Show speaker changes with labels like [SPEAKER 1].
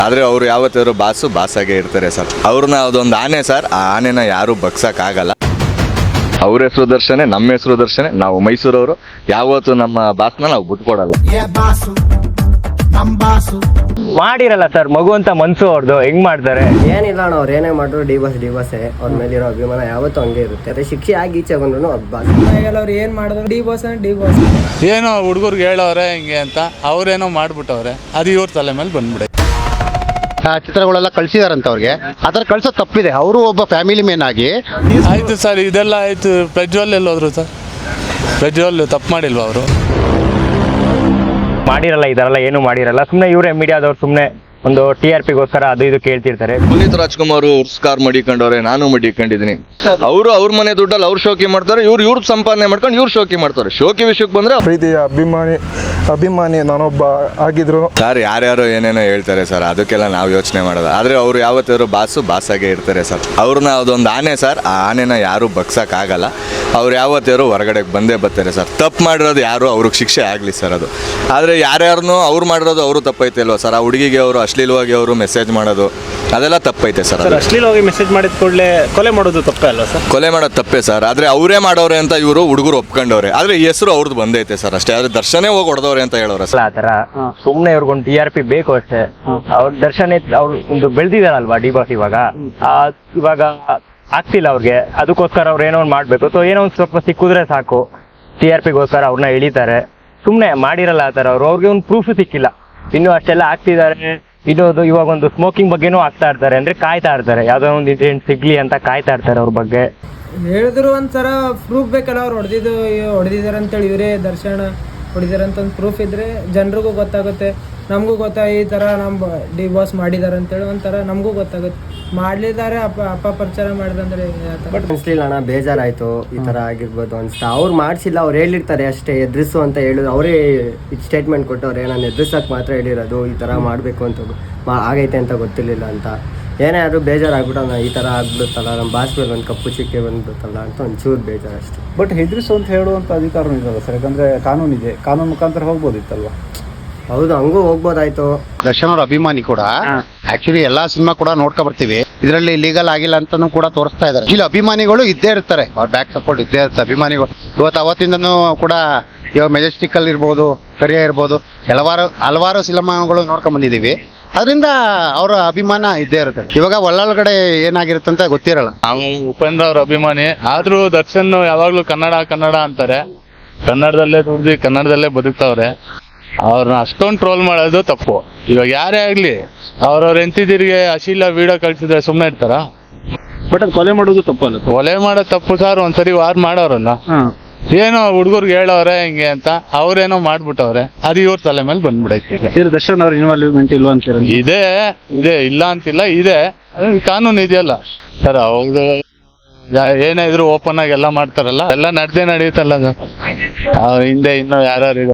[SPEAKER 1] ಆದ್ರೆ ಅವ್ರು ಯಾವತ್ತಾದ್ರು ಬಾಸಾಗೆ ಇರ್ತಾರೆ ಸರ್. ಅವ್ರನ್ನ ಅದೊಂದು ಆನೆ ಸರ್, ಆ ಆನೆನ ಯಾರು ಬಗ್ಸಕ್ ಆಗಲ್ಲ. ಅವ್ರ ಹೆಸರು ದರ್ಶನೆ, ನಮ್ಮ ಹೆಸರು ದರ್ಶನೆ. ನಾವು ಮೈಸೂರವರು, ಯಾವತ್ತು ನಮ್ಮ ಬಾಸ್ನ ನಾವು ಬಿಟ್ಕೊಡಲ್ಲ.
[SPEAKER 2] ಮಾಡಿರಲ್ಲ ಸರ್, ಮಗು ಅಂತ ಮನ್ಸು ಅವ್ರದ್ದು ಹೆಂಗ್ ಮಾಡ್ತಾರೆ?
[SPEAKER 3] ಏನಿಲ್ಲ ಅಣ್ಣ, ಅವ್ರು ಏನೇ ಮಾಡಿದ್ರು ಡಿವೋರ್ಸೇ ಅವ್ರ ಮೇಲಿರೋ ಅಭಿಮಾನ ಯಾವತ್ತೂ ಹಂಗೆ ಇರುತ್ತೆ. ಅದೇ ಶಿಕ್ಷೆ ಆಗಿ ಈಚೆ ಬಂದ್ರು
[SPEAKER 4] ಅವ್ರು ಏನ್ ಮಾಡಿದ್ರು ಡಿವೋರ್ಸ್
[SPEAKER 5] ಏನೋ ಹುಡುಗರ್ಗೆ ಹೇಳೋರೆ ಹಿಂಗೆ ಅಂತ ಅವ್ರೇನೋ ಮಾಡ್ಬಿಟ್ಟವ್ರೆ, ಅದು ಇವ್ರ ತಲೆ ಮೇಲೆ ಬಂದ್ಬಿಡೆ.
[SPEAKER 6] ಚಿತ್ರಗಳೆಲ್ಲ ಕಳ್ಸಿದಾರಂತ ಅವ್ರಿಗೆ, ಅದರ ಕಳ್ಸೋದು ತಪ್ಪಿದೆ. ಅವರು ಒಬ್ಬ ಫ್ಯಾಮಿಲಿ ಮ್ಯಾನ್ ಆಗಿ
[SPEAKER 5] ಆಯ್ತು ಸರ್, ಇದೆಲ್ಲ ಆಯ್ತು. ಪ್ರಜ್ವಲ್ ಎಲ್ಲೋದ್ರು ಸರ್? ಪ್ರಜ್ವಲ್ ತಪ್ಪು ಮಾಡಿಲ್ವಾ ಅವರು?
[SPEAKER 2] ಮಾಡಿರಲ್ಲ, ಇದರೆಲ್ಲ ಏನು ಮಾಡಿರಲ್ಲ. ಸುಮ್ನೆ ಇವರೇ ಮೀಡಿಯಾದವ್ರು ಸುಮ್ನೆ ಒಂದು TRPಗೋಸ್ಕರ ಅದು ಇದು ಕೇಳ್ತಿರ್ತಾರೆ.
[SPEAKER 1] ಪುನೀತ್ ರಾಜ್ಕುಮಾರ್ ಕಾರ್ ಮಡಿಕೊಂಡವ್ರೆ, ನಾನು ಮಡಿಕೊಂಡಿದ್ದೀನಿ. ಅವರು ಅವ್ರ ಮನೆ ದುಡ್ಡಲ್ಲಿ ಅವ್ರು ಶೋಕಿ ಮಾಡ್ತಾರೆ, ಇವ್ರ ಸಂಪಾದನೆ ಮಾಡ್ಕೊಂಡು ಇವ್ರು ಶೋಕಿ ಮಾಡ್ತಾರೆ. ಶೋಕಿ ವಿಷಯಕ್ಕೆ ಬಂದ್ರೆ
[SPEAKER 7] ಪ್ರೀತಿಯ ಅಭಿಮಾನಿ ನಾನೊಬ್ಬ ಆಗಿದ್ರು
[SPEAKER 1] ಸರ್, ಯಾರ್ಯಾರು ಏನೇನೋ ಹೇಳ್ತಾರೆ ಸರ್, ಅದಕ್ಕೆಲ್ಲ ನಾವು ಯೋಚನೆ ಮಾಡೋದು. ಆದ್ರೆ ಅವ್ರು ಯಾವತ್ತಾದ್ರು ಬಾಸಾಗೆ ಇರ್ತಾರೆ ಸರ್. ಅವ್ರನ್ನ ಅದೊಂದು ಆನೆ ಸರ್, ಆ ಆನೆನ ಯಾರು ಬಗ್ಸಕ್ ಆಗಲ್ಲ. ಅವ್ರು ಯಾವತ್ತಾರು ಹೊರಗಡೆ ಬಂದೇ ಬರ್ತಾರೆ ಸರ್. ತಪ್ಪು ಮಾಡಿರೋದು ಯಾರು, ಅವ್ರಿಗೆ ಶಿಕ್ಷೆ ಆಗಲಿ ಸರ್. ಅದು ಆದರೆ ಯಾರ್ಯಾರನ್ನೂ ಅವ್ರು ಮಾಡಿರೋದು ಅವರು ತಪ್ಪೈತೆ ಅಲ್ವಾ ಸರ್? ಆ ಹುಡುಗಿಗೆ ಅವರು ಅಶ್ಲೀಲವಾಗಿ ಅವರು ಮೆಸೇಜ್ ಮಾಡೋದು ಅದೆಲ್ಲ ತಪ್ಪೈತೆ ಸರ್.
[SPEAKER 8] ಅಶ್ಲೀಲವಾಗಿ ಮೆಸೇಜ್ ಮಾಡಿದ ಕೂಡಲೇ ಕೊಲೆ ಮಾಡೋದು ತಪ್ಪೇ ಅಲ್ವಾ ಸರ್?
[SPEAKER 1] ಕೊಲೆ ಮಾಡೋದು ತಪ್ಪೇ ಸರ್. ಆದರೆ ಅವರೇ ಮಾಡೋರೆ ಅಂತ ಇವರು ಹುಡುಗರು ಒಪ್ಕೊಂಡವ್ರೆ. ಆದರೆ ಈ ಹೆಸರು ಅವ್ರದ್ದು ಬಂದೈತೆ ಸರ್ ಅಷ್ಟೇ. ಆದ್ರೆ ದರ್ಶನೇ ಹೋಗಿ ಹೊಡೆದವ್ರೆ ಅಂತ ಹೇಳೋರೆ ಸರ್.
[SPEAKER 2] ಆ ತರ ಸುಮ್ನೆ ಇವ್ರಿಗೊಂದು TRP ಬೇಕು ಅಷ್ಟೇ. ಅವ್ರ ದರ್ಶನ ಅವ್ರು ಒಂದು ಬೆಳೆದಿದಾರಲ್ವಾ ಡಿಬಾಸ್, ಇವಾಗ ಆಗ್ತಿಲ್ಲ ಅವ್ರಿಗೆ. ಅದಕ್ಕೋಸ್ಕರ ಅವ್ರು ಏನೋ ಒಂದು ಮಾಡ್ಬೇಕು. ಸೊ ಏನೋ ಒಂದು ಸ್ವಲ್ಪ ಸಿಕ್ಕಿದ್ರೆ ಸಾಕು, TRPಗೋಸ್ಕರ ಅವ್ರನ್ನ ಎಳಿತಾರೆ. ಸುಮ್ನೆ ಮಾಡಿರಲ್ಲ ಆ ತರ. ಅವ್ರಿಗೆ ಒಂದು ಪ್ರೂಫ್ ಸಿಕ್ಕಿಲ್ಲ. ಇನ್ನು ಅಷ್ಟೆಲ್ಲ ಆಗ್ತಿದ್ದಾರೆ. ಇನ್ನೊಂದು ಇವಾಗ ಒಂದು ಸ್ಮೋಕಿಂಗ್ ಬಗ್ಗೆನೂ ಆಗ್ತಾ ಇರ್ತಾರೆ. ಅಂದ್ರೆ ಕಾಯ್ತಾ ಇರ್ತಾರೆ, ಯಾವ್ದೋ ಒಂದು ಇನ್ಸಿಡೆಂಟ್ ಸಿಗ್ಲಿ ಅಂತ ಕಾಯ್ತಾ ಇರ್ತಾರೆ ಅವ್ರ ಬಗ್ಗೆ.
[SPEAKER 4] ಹೇಳಿದ್ರು ಒಂಥರ ಪ್ರೂಫ್ ಬೇಕಲ್ಲ, ಅವ್ರು ಹೊಡೆದಿದ್ದಾರೆ ಅಂತೇಳಿ ಇವರೇ ದರ್ಶನ ಹೊಡಿದಾರೆ ಅಂತ ಒಂದು ಪ್ರೂಫ್ ಇದ್ರೆ ಜನರಿಗೂ ಗೊತ್ತಾಗುತ್ತೆ, ನಮಗೂ ಈ ಥರ ನಮ್ಮ ಡಿವೋರ್ಸ್ ಮಾಡಿದ್ದಾರೆ ಅಂತೇಳಿ ಒಂಥರ ನಮಗೂ ಗೊತ್ತಾಗುತ್ತೆ. ಮಾಡಲಿದ್ದಾರೆ ಅಪಪ್ರಚಾರ ಮಾಡಿದಂದ್ರೆ.
[SPEAKER 3] ಬಟ್ ಅನ್ಸ್ಲಿಲ್ಲ ಅಣ್ಣ, ಬೇಜಾರಾಯ್ತು. ಈ ಥರ ಆಗಿರ್ಬೋದು ಅನ್ಸ್ತಾ. ಅವ್ರು ಮಾಡಿಸಿಲ್ಲ, ಅವ್ರು ಹೇಳಿರ್ತಾರೆ ಅಷ್ಟೇ, ಎದುರಿಸು ಅಂತ ಹೇಳಿದ್ರು. ಅವರೇ ಸ್ಟೇಟ್ಮೆಂಟ್ ಕೊಟ್ಟವ್ರೆ, ನಾನು ಎದುರಿಸೋಕೆ ಮಾತ್ರ ಹೇಳಿರೋದು, ಈ ಥರ ಮಾಡಬೇಕು ಅಂತ ಆಗೈತೆ ಅಂತ ಗೊತ್ತಿರಲಿಲ್ಲ ಅಂತ. ಏನೇ ಆದರೂ ಬೇಜಾರಾಗ್ಬಿಟ್ಟು ಈ ಥರ ಆಗ್ಬಿಡುತ್ತಲ್ಲ, ನಮ್ಮ ಬಾಸ್ ಮೇಲೆ ಒಂದು ಕಪ್ಪು ಚಿಕ್ಕೆ ಬಂದ್ಬಿಡುತ್ತಲ್ಲ ಅಂತ ಒಂಚೂರು ಬೇಜಾರು ಅಷ್ಟೇ.
[SPEAKER 8] ಬಟ್ ಹೆದರಿಸು ಅಂತ ಹೇಳುವಂಥ ಅಧಿಕಾರನೂ ಇರಲ್ಲ ಸರ್, ಯಾಕಂದರೆ ಕಾನೂನು ಇದೆ. ಕಾನೂನು ಮುಖಾಂತರ ಹೋಗ್ಬೋದಿತ್ತಲ್ವ?
[SPEAKER 3] ಹೌದು, ಹಂಗೂ ಹೋಗ್ಬೋದಾಯ್ತು.
[SPEAKER 6] ದರ್ಶನ್ ಅವ್ರ ಅಭಿಮಾನಿ ಕೂಡ ಆಕ್ಚುಲಿ ಎಲ್ಲಾ ಸಿನಿಮಾ ಕೂಡ ನೋಡ್ಕೊ ಬರ್ತೀವಿ. ಇದರಲ್ಲಿ ಲೀಗಲ್ ಆಗಿಲ್ಲ ಅಂತಾನು ಕೂಡ ತೋರಿಸ್ತಾ ಇದ್ದಾರೆ. ಇಲ್ಲಿ ಅಭಿಮಾನಿಗಳು ಇದ್ದೇ ಇರ್ತಾರೆ, ಅವ್ರ ಬ್ಯಾಕ್ ಸಪೋರ್ಟ್ ಇದ್ದೇ ಇರುತ್ತೆ ಅಭಿಮಾನಿಗಳು. ಅವತ್ತಿಂದನೂ ಕೂಡ ಇವಾಗ ಮೆಜೆಸ್ಟಿಕ್ ಅಲ್ಲಿ ಇರ್ಬೋದು, ಕರಿಯ ಇರ್ಬೋದು, ಹಲವಾರು ಸಿನಿಮಾಗಳು ನೋಡ್ಕೊಂಡ್ ಬಂದಿದೀವಿ. ಅದರಿಂದ ಅವರ ಅಭಿಮಾನ ಇದ್ದೇ ಇರುತ್ತೆ. ಇವಾಗ ಒಳಗಡೆ ಏನಾಗಿರುತ್ತೆ ಅಂತ ಗೊತ್ತಿರಲ್ಲ.
[SPEAKER 5] ನಾವು ಉಪೇಂದ್ರ ಅವ್ರ ಅಭಿಮಾನಿ. ಆದ್ರೂ ದರ್ಶನ್ ಯಾವಾಗ್ಲೂ ಕನ್ನಡ ಅಂತಾರೆ. ಕನ್ನಡದಲ್ಲೇ ದುಡ್ದು ಕನ್ನಡದಲ್ಲೇ ಬದುಕ್ತಾವ್ರೆ. ಅವ್ರನ್ನ ಅಷ್ಟೊಂದು ಟ್ರೋಲ್ ಮಾಡೋದು ತಪ್ಪು. ಇವಾಗ ಯಾರೇ ಆಗ್ಲಿ ಅವ್ರವ್ರ ಹೆಂಡತಿದಿರಿಗೆ ಅಶ್ಲೀಲ ವಿಡಿಯೋ ಕಳ್ಸಿದ್ರೆ ಸುಮ್ಮನೆ ಇರ್ತಾರ?
[SPEAKER 8] ಬಟ್ ಅದು ಕೊಲೆ ಮಾಡೋದು ತಪ್ಪಲ್ಲ.
[SPEAKER 5] ಕೊಲೆ ಮಾಡೋದು ತಪ್ಪು ಸರ್. ಒಂದ್ಸರಿ ವಾರ್ ಮಾಡೋರಲ್ಲ, ಏನೋ ಹುಡುಗರ್ಗೆ ಹೇಳೋರೆ ಹಿಂಗೆ ಅಂತ ಅವ್ರೇನೋ ಮಾಡ್ಬಿಟ್ಟವ್ರೆ, ಅದು ಇವ್ರ ತಲೆ ಮೇಲೆ ಬಂದ್ಬಿಡೈತೆ.
[SPEAKER 8] ದರ್ಶನ್ ಅವ್ರ ಇನ್ವಾಲ್ವ್ಮೆಂಟ್ ಇಲ್ವಾ ಅಂತ
[SPEAKER 5] ಇದೆ ಇಲ್ಲ ಅಂತಿಲ್ಲ, ಇದೆ. ಕಾನೂನು ಇದೆಯಲ್ಲ ಸರ್. ಅವ್ರು ಏನೇ ಇದ್ರು ಓಪನ್ ಆಗಿ ಎಲ್ಲ ಮಾಡ್ತಾರಲ್ಲ, ಎಲ್ಲ ನಡೆಯುತ್ತಲ್ಲ. ಹಿಂದೆ ಇನ್ನೂ ಯಾರು